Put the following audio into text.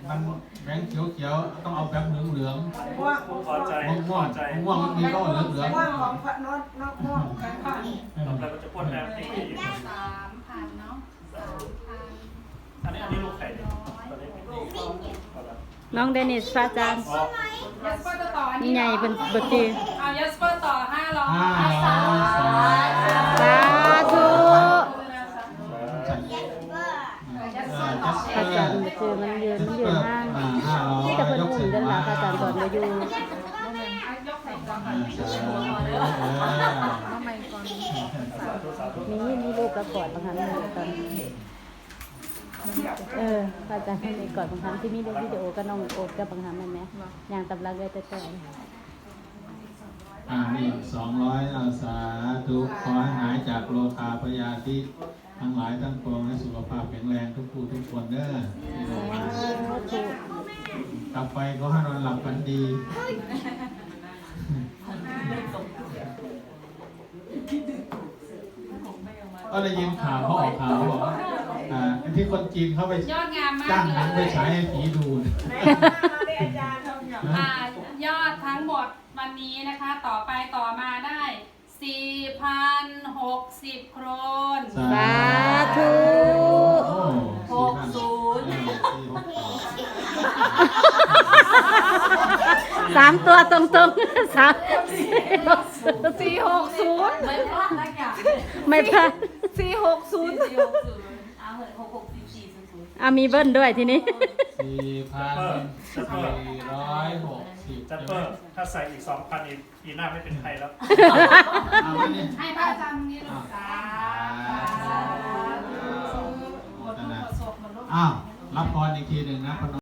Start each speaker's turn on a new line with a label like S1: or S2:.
S1: มันแบงค์เขียวๆต้องเอาแบบเหลือง
S2: ม่วง
S3: พอใจ
S1: ม่วงมันมีก็เหลือง
S2: ม่วงของพระโน้ตม่วงแบงค์ก่อน
S3: ต่อไปมันจะพ่นแบบนี้
S4: 3,000เนาะ3,000
S3: อันนี้ลูกไข่เนี่ยตอนนี้
S5: น้องเดนิสพระอาจารย์
S3: อ๋อ
S4: ยัสเปอร์ต่อ
S5: นี่ไงเป็นบทตี
S4: เอายัสเปอร์ต่อ500
S5: สาธุ
S4: ยัสเปอร์ต่อ
S5: พระอาจารย์คือมันยืนห้างที่แต่เพิ่นอุ่นกันละพระอาจารย์สอนมาอยู่
S4: ยกใส่ก่อน
S1: ทำไมก่อน
S5: นี่ลูกกระกอดบางครั้งเลยตอนพระอาจารย์มีกอดบางครั้งที่มีเล่นวิดีโอก็น้องโอ๊ตกับบางครั้งนั่นไหมอย่างตำราเลยแต่
S1: นี่200สาธุขอให้หายจากโรคาพยาธิทั้งหลายทั้งปวงให้สุขภาพแข็งแรงทุกผู้ทุกคนเด้อกลับไปก็ให้นอนหลับฝันดีก็ได้ยินข่าวเขาออกข่าวบอกว่าที่คนจีนเขาไป
S4: ยอดงามมาก
S1: จ้างห
S4: เล
S1: นังไป
S4: ย
S1: ฉายให้ผีดู
S4: ยอดทั้งหมดวันนี้นะคะต่อไปต่อมาได้ 4,060 โครน
S5: สาธุ 3 ตัวตรงๆ460
S4: ไม่พลาดนะจ๊ะ
S5: ไม่พลาด
S4: 460เอาเหอะ66400
S5: มีเบิ้ลด้วยทีนี้
S1: 4,460
S3: จัปเปอร์ถ้าใส่อีก 2,000 อีกปีหน้าไม่เป็นใครแล้ว
S4: ให้พระอาจารย์นี่ลูกสา
S1: อ้าวรับพรอีกทีหนึ่งนะพน